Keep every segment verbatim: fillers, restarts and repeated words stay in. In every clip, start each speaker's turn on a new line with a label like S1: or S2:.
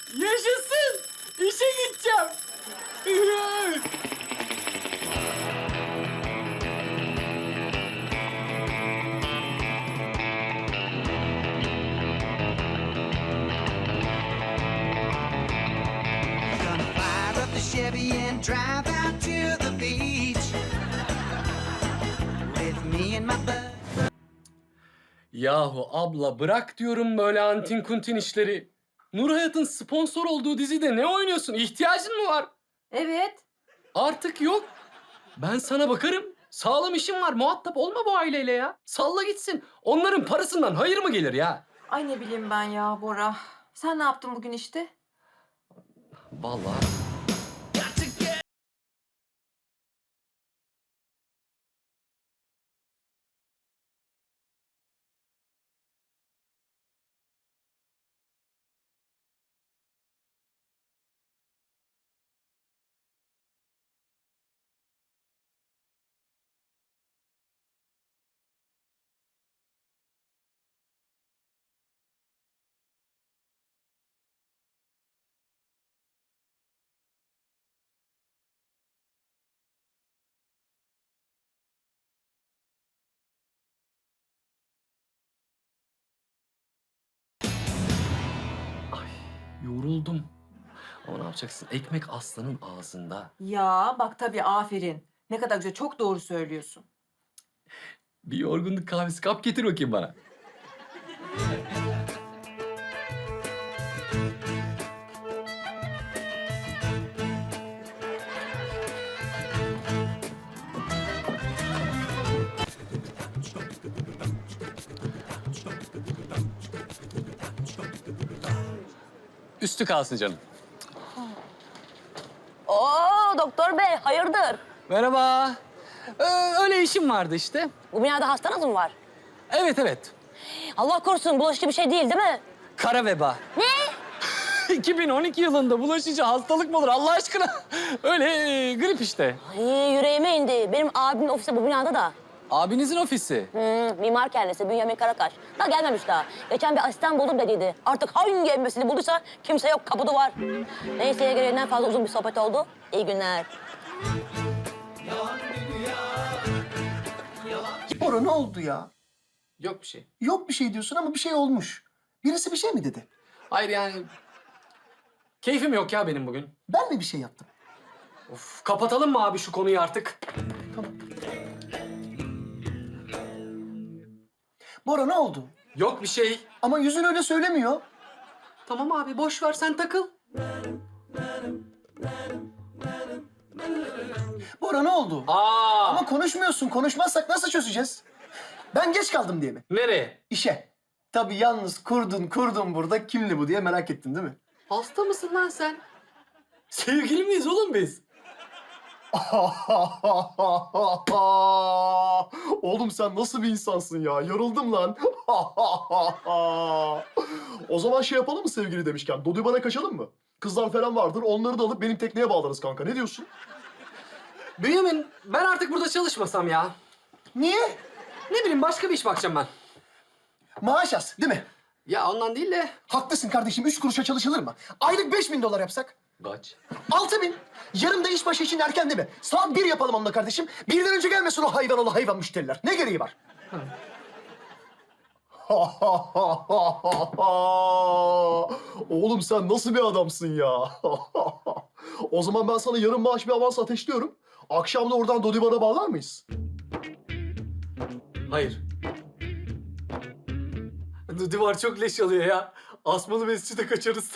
S1: Yaşasın! İşe gideceğim.
S2: Gonna fire up the Chevy and drive out to the beach with me and my bud.
S1: Yahu abla bırak diyorum böyle antin kuntin işleri. Nur Hayat'ın sponsor olduğu dizide ne oynuyorsun? İhtiyacın mı var?
S3: Evet.
S1: Artık yok. Ben sana bakarım. Sağlam işim var. Muhatap olma bu aileyle ya. Salla gitsin. Onların parasından hayır mı gelir ya?
S3: Ay ne bileyim ben ya Bora. Sen ne yaptın bugün işte?
S1: Vallahi. Yoruldum. Ama ne yapacaksın? Ekmek aslanın ağzında.
S3: Ya bak tabii aferin. Ne kadar güzel, çok doğru söylüyorsun.
S1: Bir yorgunluk kahvesi kap getir bakayım bana. Üstü kalsın canım.
S4: Oo doktor bey hayırdır?
S1: Merhaba. Ee, öyle işim vardı işte.
S4: Bu binada hastanız mı var?
S1: Evet evet.
S4: Allah korusun bulaşıcı bir şey değil değil mi?
S1: Kara veba.
S4: Ne?
S1: iki bin on iki yılında bulaşıcı hastalık mı olur Allah aşkına? Öyle e, grip işte.
S4: Ay yüreğime indi. Benim abimin ofisi bu binada da.
S1: Abinizin ofisi.
S4: Hmm, mimar kendisi Bünyamin Karakaş. Daha gelmemiş daha. Geçen bir asistan buldum dediydi. Artık hangi emmesini bulduysa kimse yok kapı duvar. Neyse gereğinden fazla uzun bir sohbet oldu. İyi günler.
S5: Bora ne oldu ya?
S1: Yok bir şey.
S5: Yok bir şey diyorsun ama bir şey olmuş. Birisi bir şey mi dedi?
S1: Hayır yani... Keyfim yok ya benim bugün.
S5: Ben mi bir şey yaptım?
S1: Of, kapatalım mı abi şu konuyu artık?
S5: Tamam. Bora ne oldu?
S1: Yok bir şey.
S5: Ama yüzün öyle söylemiyor.
S1: Tamam abi boş ver sen takıl.
S5: Bora ne oldu?
S1: Aa!
S5: Ama konuşmuyorsun. Konuşmazsak nasıl çözeceğiz? Ben geç kaldım diye mi?
S1: Nereye?
S5: İşe. Tabii yalnız kurdun kurdun burada. Kimdi bu diye merak ettin değil mi?
S1: Hasta mısın lan sen? Sevgili miyiz oğlum biz?
S5: Oğlum sen nasıl bir insansın ya? Yoruldum lan. O zaman şey yapalım mı sevgili demişken? Dodibana kaçalım mı? Kızlar falan vardır. Onları da alıp benim tekneye bağlarız kanka. Ne diyorsun?
S1: Bünyamin ben artık burada çalışmasam ya.
S5: Niye?
S1: Ne bileyim başka bir iş bakacağım ben.
S5: Maaş az değil mi?
S1: Ya ondan değil de...
S5: Haklısın kardeşim. Üç kuruşa çalışılır mı? Aylık beş bin dolar yapsak?
S1: Kaç?
S5: Altı bin. Yarın da iş başı için erken değil mi? Saat bir yapalım onunla kardeşim. Birden önce gelmesin o hayvan oğlu hayvan müşteriler. Ne gereği var? Oğlum sen nasıl bir adamsın ya? O zaman ben sana yarın maaş bir avans ateşliyorum. Akşam da oradan Dodibana bağlar mıyız?
S1: Hayır. Duvar çok leş alıyor ya. Asmalı mescide kaçarız.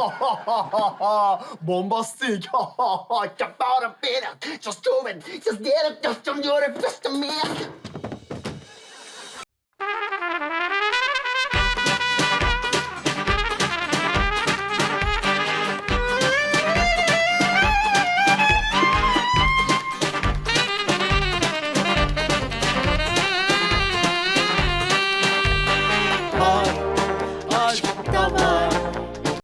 S5: Bombastik. Just do it. Just do it. Just do it. Just do it. Just do it.